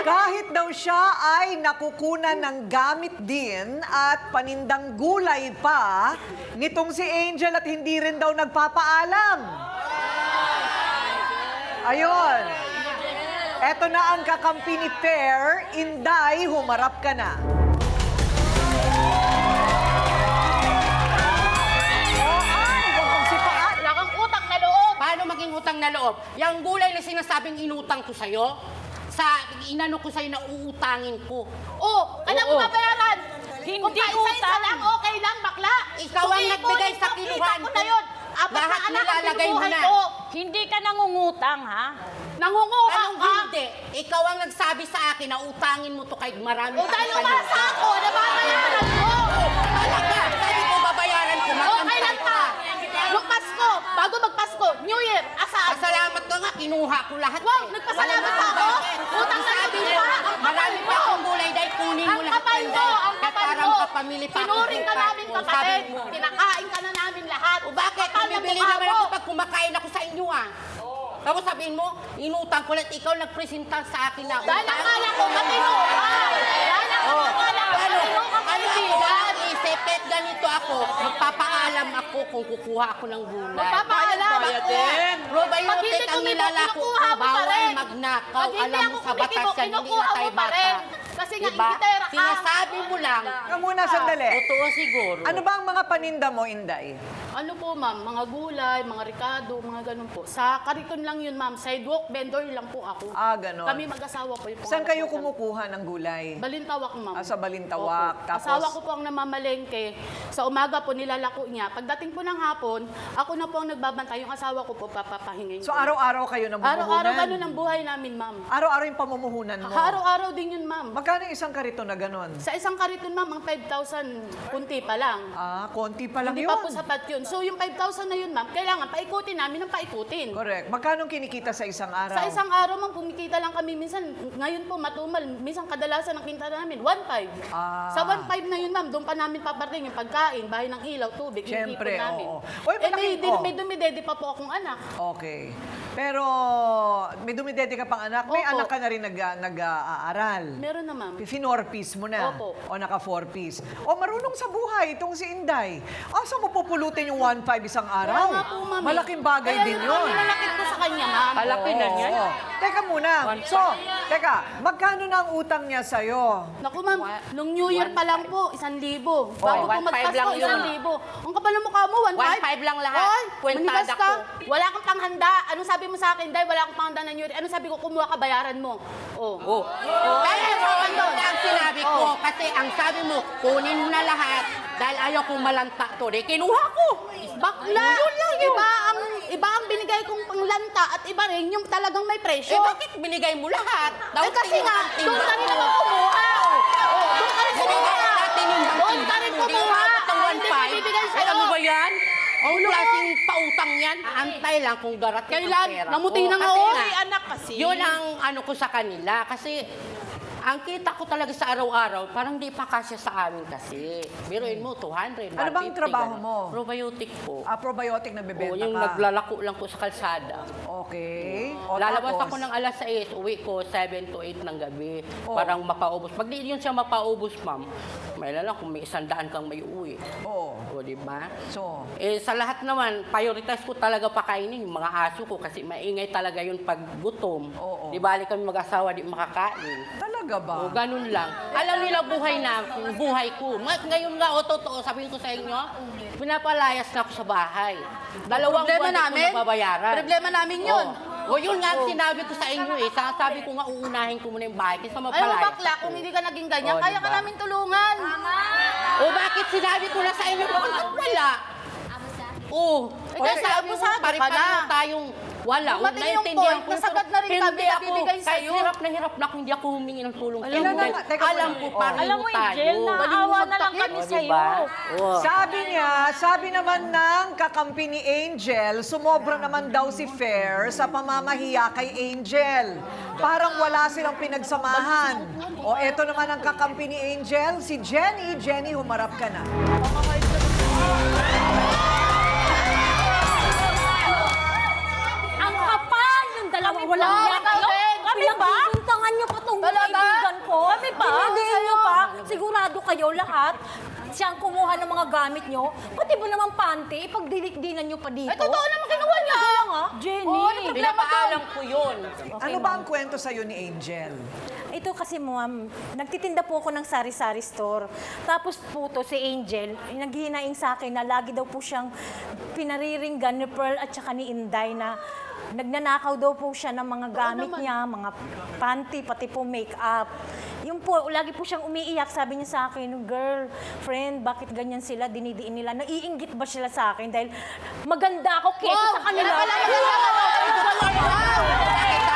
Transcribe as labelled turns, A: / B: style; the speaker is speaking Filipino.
A: Kahit daw siya ay nakukunan ng gamit din at panindang gulay pa, nitong si Angel at hindi rin daw nagpapaalam. Ayun. Eto na ang kakampi ni Fair. Inday, humarap ka na.
B: Wala kang utang na loob. Paano maging utang na loob? Yung gulay na sinasabing inutang ko sa'yo, inano ko sa'yo na uutangin ko.
C: Alam mo babayaran.
D: Hindi
C: Kung paisa-isa
D: utang.
C: lang, okay lang, bakla.
B: Ikaw ang nagbigay sa kiluhan
C: ko na yun. Apat
B: Lahat
C: na anak ang
B: nilalagay mo
C: binubuhay
B: na.
C: ko.
D: Hindi ka nangungutang, ha?
C: Nangunguha
B: Anong
C: ka.
B: hindi? Ikaw ang nagsabi sa akin na utangin mo to kahit marami
C: O dahil umasa ako, nababayaran ko.
B: Talaga, sabi ko babayaran ko.
C: Okay lang ka. Nung Pasko, bago magpasko, New Year, asahan.
B: Pasalamat ka nga, kinuha ko lahat.
C: Wow, nagpasalamat
B: Wala
C: ako?
B: bakit?
C: Utang na
B: Sabi
C: loob
B: mo,
C: pa, ang
B: marami
C: kapal
B: pa
C: mo.
B: akong gulay dahil kunin mo
C: Ang
B: lahat.
C: kapal mo, ang kapal
B: Parang
C: mo.
B: kapamili pa ako
C: Tinuring ka
B: bukas.
C: namin
B: O,
C: kapatid.
B: sabi mo.
C: Pinakain ka na namin lahat.
B: O bakit?
C: Kapal na
B: Bibili
C: mukha
B: naman
C: mo.
B: ako pag kumakain ako sa inyo ah. Tapos sabihin mo, inutang ko lahat. Ikaw nagpresenta sa akin na
C: Dahil akala ko matino ka. Dahil akala ko
B: Ano?
C: matino ka
B: Ano ako?
C: kaibigan.
B: Isipet ganito ako. Magpapaalam ako kung kukuha ako ng gulay.
C: Magpapaalam ako. Pag
B: Probiotic
C: hindi
B: ang
C: kumibo,
B: nilalako ko.
C: kinukuha mo pa
B: Bawal
C: rin.
B: magnakaw.
C: Pag hindi
B: Alam mo
C: ako
B: sa batas
C: kumikibo,
B: yan, hindi
C: kinukuha
B: na tayo
C: mo pa
B: bata.
C: rin. Kasi nga,
B: Diba?
C: ingitera ka.
B: Sinasabi mo lang.
A: Teka muna, sandali.
B: Totoo siguro.
A: Ano ba ang mga paninda mo, Inday?
C: Ano po, ma'am? Mga gulay, mga ricado, mga ganun po. Sa kariton lang yun, ma'am. Sidewalk vendor lang po ako.
A: Ah, ganon.
C: Kami mag-asawa po. Yung
A: Saan
C: pangalan
A: kayo
C: po namin.
A: kumukuha ng gulay?
C: Balintawak, ma'am.
A: Ah, sa Balintawak.
C: Opo.
A: Tapos?
C: Asawa ko po ang namamalengke. Sa umaga po nilalako niya. Pagdating po ng hapon, ako na po ang nagbabantay. Yung asawa ko po papapahingin
A: So,
C: ko.
A: araw-araw kayo namumuhunan?
C: Araw-araw ganun ang buhay namin, ma'am.
A: Araw-araw yung pamumuhunan mo?
C: Araw-araw din yun, ma'am.
A: Magkano yung isang karito na ganon?
C: Sa isang kariton, ma'am, ang 5,000, kunti pa lang.
A: Ah, konti pa lang
C: Hindi
A: yun.
C: pa po sapat yun. So, yung 5,000 na yun, ma'am, kailangan paikutin namin ng paikutin.
A: Correct. Magkano kinikita sa isang araw?
C: Sa isang araw, ma'am, kumikita lang kami minsan, ngayon po matumal, minsan kadalasan ang kinta namin, 1,500.
A: Ah.
C: Sa 1,500 na yun, ma'am, doon pa namin paparating yung pagkain, bahay ng ilaw, tubig, yung
A: Siyempre,
C: ipon namin.
A: oo. Oy,
C: May dumidede pa po akong anak.
A: Okay. Pero may dumidede ka pang anak. May
C: Opo.
A: anak ka na rin nag-aaral.
C: Meron na, ma'am.
A: Pinorpiece mo na.
C: Opo.
A: O naka 4-piece. O marunong sa buhay itong si Inday. Saan mo pupulutin yung 1,500 isang araw?
C: Kaya nga po, ma'am.
A: Malaking bagay
C: Kaya
A: din
C: yun.
A: yun.
C: Nilalakit ko sa kanya, ma'am.
B: Kalaki na niyan.
A: Oo. Teka muna. So, teka, magkano na ang utang niya sa'yo?
C: Naku, ma'am, nung New Year pa lang po, 1,000. Bago po
B: 1,500
C: magpasko,
B: lang yun.
C: 1,000. Ang kapal ng mukha mo, 1,500.
B: 1,500 lang lahat.
C: Hoy,
B: Kwentada
C: manigas ka.
B: ko.
C: Wala kang panghanda. Anong sabi mo sa akin, Day? Wala akong panghanda na New Year. Anong sabi ko, kumuha ka, bayaran mo. Oh.
B: Kaya ano ang sinabi ko, kasi ang sabi mo, kunin mo na lahat dahil ayaw kong malanta to. Di kinuha ko.
C: Bakla!
B: Yun lang yun.
C: Iba ang binigay kong panglanta at iba rin yung talagang may presyo.
B: Bakit binigay mo lahat?
C: Kasi nga, doon ka rin naman kumuha. Doon ka rin kumuha. Doon ka rin kumuha. Hindi ko bibigay sa'yo.
B: Alam mo ba yan? Ang klaseng pautang yan. Antay lang kung darating ang pera.
C: Namuti na nga
B: Kasi
C: ako.
B: nga,
C: Anak kasi.
B: Yun ang ano ko sa kanila. Kasi ang kita ko talaga sa araw-araw, parang di pa kasya sa amin kasi. Biruin mo, 200, 150.
A: Ano bang trabaho
B: ganun.
A: mo?
B: Probiotic po.
A: Probiotic na
B: Oo,
A: bebenta
B: yung
A: ka.
B: naglalako lang po sa kalsada.
A: Okay. O,
B: Lalabas
A: tapos?
B: ako ng alas 6, uwi ko 7 to 8 ng gabi.
A: Oh.
B: Parang mapaubos. Pag di yun siya mapaubos, ma'am, may lang kung may 100 kang may uwi.
A: Oo.
B: O, di ba?
A: So,
B: Sa lahat naman, prioritize ko talaga pakainin yung mga aso ko kasi maingay talaga yun pag gutom.
A: Oo.
B: Di bali kami mag-asawa, di makakain.
A: talaga ba?
B: O, ganun lang. Alam nila buhay na, buhay ko. Ngayon nga, o totoo, sabihin ko sa inyo, pinapalayas na ako sa bahay. Dalawang
C: Problema
B: buwan di ko
C: namin.
B: nababayaran.
C: Problema namin yun.
B: O yun nga ang sinabi ko sa inyo eh. Sabi ko nga uunahin ko muna yung bahay kaysa
C: Alam mo,
B: mapalayas
C: bakla, kung hindi ka naging ganyan,
B: Oh,
C: kaya
B: diba?
C: ka namin tulungan.
B: O bakit sinabi ko na sa inyo? Bakit wala? Oo.
C: kasi abusado ka
B: pare-pareho
C: na.
B: tayong wala.
C: Dumating yung
B: Naintindihan
C: point
B: ko
C: na sagad na rin kami
B: Hindi
C: na
B: ako,
C: bibigay
B: kahit
C: sa'yo.
B: hirap na ako, hindi ako humingi ng tulong.
A: Alam mo,
B: Dahil
A: teka
B: alam
A: muna.
B: ko,
A: Oh.
B: pareho
D: Alam mo,
B: tayo.
D: Angel, naawa na lang kami
B: O,
D: sa'yo.
B: diba? Oo.
A: Sabi naman ng kakampi ni Angel, sumobra naman daw si Fair sa pamamahiya kay Angel. Parang wala silang pinagsamahan. O eto naman ang kakampi ni Angel, si Jenny. Jenny, humarap ka na.
D: Ang kapal ng dalawang walang
C: Oo,
D: yan.
C: ikaw din.
D: Kami ba?
C: Inutangan niyo pa tong kaibigan ko.
D: Kami pa?
C: Dinidin niyo pa. Sigurado kayo lahat. Siyang kumuha ng mga gamit niyo. Pati ba naman panty, ipagdilikdinan niyo pa dito?
D: Eh, totoo naman kinuha niya.
C: Kaya nga.
D: Jenny.
B: Pinapaalam ko yun.
A: Ano ba ang kwento sa'yo ni Angel?
C: Ito kasi ma'am, nagtitinda po ako ng sari-sari store. Tapos po to si Angel, naghihinaing sa akin na lagi daw po siyang pinariringgan ni Pearl at saka ni Inday na nagnanakaw daw po siya ng mga gamit niya, mga panty, pati po make-up. Yun po, lagi po siyang umiiyak. Sabi niya sa akin, girl, friend, bakit ganyan sila, dinidiin nila? Naiinggit ba sila sa akin? Dahil maganda ako kesa sa kanila.
B: Bakit